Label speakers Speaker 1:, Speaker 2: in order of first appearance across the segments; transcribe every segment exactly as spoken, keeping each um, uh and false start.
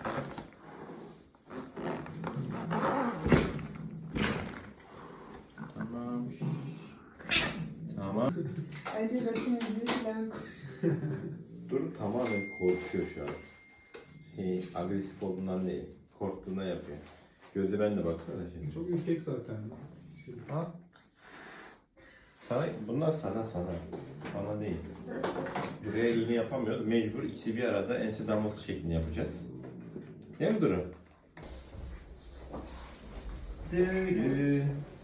Speaker 1: Tamam. Tamam.
Speaker 2: Bence rakı müziği falan koy.
Speaker 1: Dur, tamamen korkuyor şu an. Şey, agresif olduğundan değil. Korktuğundan yapıyor. Gözü bende baksana şimdi.
Speaker 3: Çok ürkek zaten. Şey.
Speaker 1: Al. Sana, bunlar sana sana. Bana değil. Buraya iğne yapamıyoruz. Mecbur ikisi bir arada ense damlası şeklinde yapacağız. Değil mi Duru? Duru.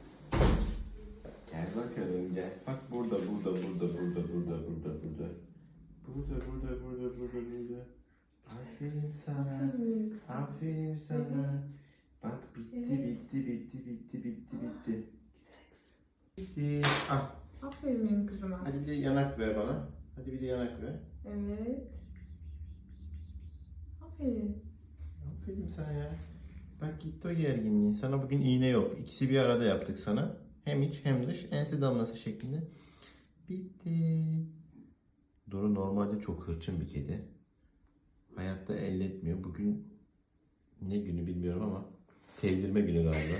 Speaker 1: Gel bakalım gel. Bak burada burada burada burada burada burada burada. Burada burada burada burada burada. Aferin sana. Aferin sana. Bak bitti bitti bitti bitti bitti bitti. Bitti. Ah.
Speaker 2: Aferin benim kızıma.
Speaker 1: Hadi bir de yanak ver bana. Hadi bir de yanak ver.
Speaker 2: Evet. Aferin.
Speaker 1: Aferin sana ya. Bak gitti o gerginliği. Sana bugün iğne yok. İkisi bir arada yaptık sana. Hem iç hem dış. Ense damlası şeklinde. Bitti. Duru normalde çok hırçın bir kedi. Hayatta elletmiyor. Bugün ne günü bilmiyorum ama sevdirme günü galiba.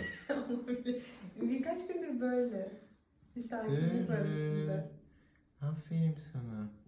Speaker 2: Birkaç gündür böyle. Bir sakinlik var üstünde.
Speaker 1: Aferin sana.